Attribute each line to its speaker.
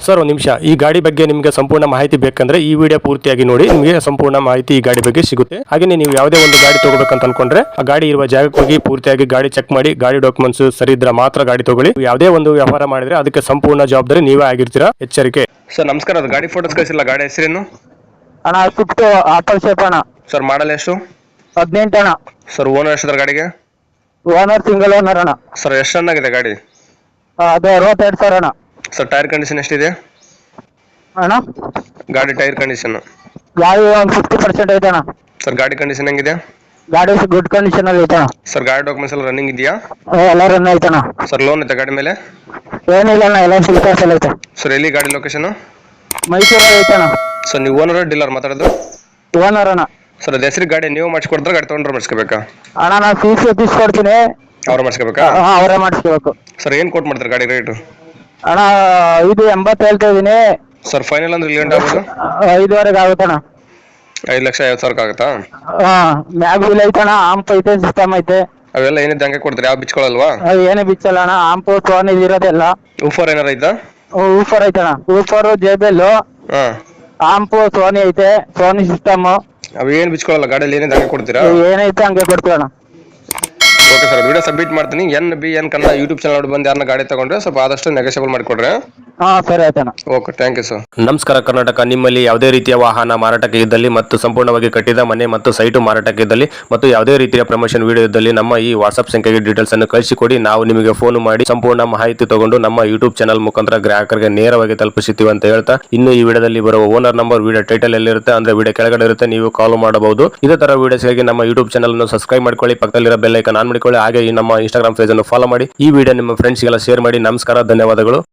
Speaker 1: Sir ಒಂದು ನಿಮಿಷ, ಈ ಗಾಡಿ ಬಗ್ಗೆ ನಿಮಗೆ ಸಂಪೂರ್ಣ ಮಾಹಿತಿ ಬೇಕಂದ್ರೆ ಈ ವಿಡಿಯೋ ಪೂರ್ತಿಯಾಗಿ ನೋಡಿ, ನಿಮಗೆ ಸಂಪೂರ್ಣ ಮಾಹಿತಿ ಈ ಗಾಡಿ ಬಗ್ಗೆ ಸಿಗುತ್ತೆ. ಹಾಗೆ ನೀವು ಯಾವುದೇ ಒಂದು ಗಾಡಿ ತಗೋಬೇಕಂತ ಅನ್ಕೊಂಡ್ರೆ ಆ ಗಾಡಿ ಇರುವ ಜಾಗಕ್ಕೆ ಹೋಗಿ ಪೂರ್ತಿಯಾಗಿ ಗಾಡಿ ಚೆಕ್ ಮಾಡಿ, ಗಾಡಿ ಡಾಕ್ಯುಮೆಂಟ್ಸ್ ಸರಿ ಇದ್ರೆ ಮಾತ್ರ ಗಾಡಿ ತಗೊಳ್ಳಿ. ಯಾವುದೇ ಒಂದು ವ್ಯವಹಾರ ಮಾಡಿದ್ರೆ ಅದಕ್ಕೆ ಸಂಪೂರ್ಣ ಜವಾಬ್ದಾರಿ ನೀವೇ ಆಗಿರ್ತೀರಾ, ಎಚ್ಚರಿಕೆ. ಸರ್ ನಮಸ್ಕಾರ, ಅದು ಗಾಡಿ ಫೋಟೋಸ್ ಕಳಿಸಿಲ್ಲ, ಗಾಡಿ ಹೆಸರೇನು
Speaker 2: ಅಣ್ಣ? ಸ್ವಿಫ್ಟ್ ಆಪಲ್ ಶೇಪ್ ಅಣ್ಣ.
Speaker 1: ಸರ್ ಮಾಡಲ್ ಎಷ್ಟು?
Speaker 2: 18 ಅಣ್ಣ.
Speaker 1: ಸರ್ ಓನರ್ ಎಷ್ಟಿದ್ರೆ ಗಾಡಿಗೆ?
Speaker 2: ಓನರ್ ಸಿಂಗಲ್ ಓನರ್ ಅಣ್ಣ.
Speaker 1: ಸರ್ ಎಷ್ಟು ರನ್ ಆಗಿದೆ ಗಾಡಿ?
Speaker 2: ಅದು 62,000 ಅಣ್ಣ.
Speaker 1: ಸರ್ ಟೈರ್ ಕಂಡೀಷನ್ ಎಷ್ಟಿದೆ
Speaker 2: ಅಣ್ಣ?
Speaker 1: ಗಾಡಿ ಟೈರ್ ಕಂಡೀಷನ್
Speaker 2: ಗಾಡಿ ಒಂದು 50% ಐತೆ ಅಣ್ಣ.
Speaker 1: ಸರ್ ಗಾಡಿ ಕಂಡೀಷನ್ ಹೆಂಗಿದೆ?
Speaker 2: ಗಾಡಿ ಗುಡ್ ಕಂಡೀಷನ್ ಅಲ್ಲಿ ಐತೆ ಅಣ್ಣ.
Speaker 1: ಸರ್ ಗಾಡಿ ಡಾಕ್ಯುಮೆಂಟ್ಸ್ ಎಲ್ಲ ರನ್ನಿಂಗ್ ಇದೆಯಾ?
Speaker 2: ಎಲ್ಲ ರನ್ ಐತೆ ಅಣ್ಣ.
Speaker 1: ಸರ್ ಲೋನ್ ಐತೆ ಗಾಡಿ ಮೇಲೆ?
Speaker 2: ಏನಿಲ್ಲ ಅಣ್ಣ, ಎಲ್ಲ ಸಿಲ್ಕರ್ಸ್ ಐತೆ.
Speaker 1: ಸರ್ ಎಲ್ಲಿ ಗಾಡಿ ಲೊಕೇಶನ್?
Speaker 2: ಮೈಸೂರಲ್ಲಿ ಐತೆ ಅಣ್ಣ.
Speaker 1: ಸರ್ ನೀವು ಓನರ್ ಡೀಲರ್ ಮಾತಾಡೋದು?
Speaker 2: ಓನರ್ ಅಣ್ಣ.
Speaker 1: ಸರ್ ಅದು ಹೆಸರು ಗಾಡಿ ನೀವು ಮಾಡಿಸ್ಕೊಡ್ತಾರೆ, ಗಾಡಿ ತೊಗೊಂಡ್ರೆ ಮಾಡಿಸ್ಕೋಬೇಕಾ?
Speaker 2: ಅಣ್ಣ ನಾನು ಫೀಸ್ ಎತ್ತಿಸ್ಕೊಡ್ತೀನಿ,
Speaker 1: ಅವ್ರು ಮಾಡಿಸ್ಕೋಬೇಕಾ?
Speaker 2: ಅವರೇ ಮಾಡಿಸ್ಕೋಬೇಕು.
Speaker 1: ಸರ್ ಏನು ಕೊಟ್ಟು ಮಾಡ್ತಾರೆ ಗಾಡಿ ರೇಟು?
Speaker 2: ಅಣ್ಣ ಇದು 80 ಹೇಳ್ತಾ ಇದೀನಿ.
Speaker 1: ಸರ್ ಫೈನಲ್ ಅಂದ್ರೆ ಇಲ್ಲಿ ಆಗೋದು
Speaker 2: 5.5 ಆಗುತ್ತೆ ಅಣ್ಣ.
Speaker 1: 5,50,000 ಆಗುತ್ತಾ?
Speaker 2: ಮ್ಯಾಗ್ ವೀಲ್ ಐತೆ ಅಣ್ಣ, ಆಂಪ್ ಐತೆ, ಸಿಸ್ಟಮ್ ಐತೆ.
Speaker 1: ಅವೆಲ್ಲ ಏನಿದೆ ಹಂಗೆ ಕೊಡ್ತಾರೆ, ಯಾವ ಬಿಚ್ಕೊಳ್ಳಲ್ವಾ?
Speaker 2: ಏನೇ ಬಿಚ್ಚಲ್ಲ ಅಣ್ಣ, ಆಂಪ್ ಫೋನ್ ಇದಿರೋದೆಲ್ಲ.
Speaker 1: ಊಫರ್ ಏನಾರ ಐತಾ?
Speaker 2: ಊಫರ್ ಐತೆ ಅಣ್ಣ, ಊಫರ್ JBL,
Speaker 1: ಹಾಂ,
Speaker 2: ಆಂಪ್ ಸೋನಿ ಐತೆ, ಸೋನಿ ಸಿಸ್ಟಮ್.
Speaker 1: ಅವು ಏನು ಬಿಚ್ಕೊಳ್ಳಲ್ಲ ಗಾಡಿಯಲ್ಲಿ, ಏನಿದೆ ಹಂಗೆ ಕೊಡ್ತೀರಾ?
Speaker 2: ಏನೈತೆ ಹಂಗೆ ಕೊಡ್ತೀವಿ ಅಣ್ಣ.
Speaker 1: ಓಕೆ ಸರ್, ವಿಡಿಯೋ ಸಬ್ಮಿಟ್ ಮಾಡ್ತೀನಿ. NBN ಕನ್ನಡ ಯೂಟ್ಯೂಬ್ ಚಾನಲ್ ನೋಡಿ ಬಂದು ಯಾರನ್ನ ಗಾಡಿ ತಗೊಂಡ್ರೆ ಸ್ವಲ್ಪ ಆದಷ್ಟು ನೆಗೋಷಿಯಬಲ್ ಮಾಡಿಕೊಡ್ರೆ.
Speaker 2: ಸರಿ ಆಯ್ತಣ್ಣ.
Speaker 1: Okay, thank you sir. ನಮಸ್ಕಾರ ಕರ್ನಾಟಕ. ನಿಮ್ಮಲ್ಲಿ ಯಾವುದೇ ರೀತಿಯ ವಾಹನ ಮಾರಾಟಕ್ಕೆ ಇದ್ದಲ್ಲಿ ಮತ್ತು ಸಂಪೂರ್ಣವಾಗಿ ಕಟ್ಟಿದ ಮನೆ ಮತ್ತು ಸೈಟು ಮಾರಾಟಕ್ಕೆ ಇದ್ದಲ್ಲಿ ಮತ್ತು ಯಾವುದೇ ರೀತಿಯ ಪ್ರಮೋಷನ್ ವಿಡಿಯೋ ಇದ್ದಲ್ಲಿ ನಮ್ಮ ಈ ವಾಟ್ಸ್ಆಪ್ ಸಂಖ್ಯೆಗೆ ಡೀಟೇಲ್ಸ್ ಅನ್ನು ಕಳಿಸಿಕೊಡಿ. ನಾವು ನಿಮಗೆ ಫೋನ್ ಮಾಡಿ ಸಂಪೂರ್ಣ ಮಾಹಿತಿ ತಗೊಂಡು ನಮ್ಮ ಯೂಟ್ಯೂಬ್ ಚಾನಲ್ ಮುಖಾಂತರ ಗ್ರಾಹಕರಿಗೆ ನೇರವಾಗಿ ತಲುಪಿಸುತ್ತೀವಿ ಅಂತ ಹೇಳ್ತಾ, ಇನ್ನು ಈ ವಿಡಿಯೋದಲ್ಲಿ ಬರುವ ಓನರ್ ನಂಬರ್ ವಿಡಿಯೋ ಟೈಟಲ್ ಎಲ್ಲಿರುತ್ತೆ ಅಂದ್ರೆ ವಿಡಿಯೋ ಕೆಳಗಡೆ ಇರುತ್ತೆ, ನೀವು ಕಾಲ್ ಮಾಡಬಹುದು. ಇದೇ ತರ ವಿಡಿಯೋಸ್ಗಾಗಿ ನಮ್ಮ ಯೂಟ್ಯೂಬ್ ಚಾನಲ್ ಅನ್ನು ಸಬ್ಸ್ಕ್ರೈಬ್ ಮಾಡ್ಕೊಳ್ಳಿ, ಪಕ್ಕದಲ್ಲಿರೋ ಬೆಲ್ ಐಕಾನ್ ಆನ್ ಮಾಡಿಕೊಳ್ಳಿ. ಹಾಗೆ ಈ ನಮ್ಮ ಇನ್ಸ್ಟಾಗ್ರಾಮ್ ಪೇಜ್ ಅನ್ನು ಫಾಲೋ ಮಾಡಿ. ಈ ವಿಡಿಯೋ ನಿಮ್ಮ ಫ್ರೆಂಡ್ಸ್ಗೆಲ್ಲ ಶೇರ್ ಮಾಡಿ. ನಮಸ್ಕಾರ, ಧನ್ಯವಾದಗಳು.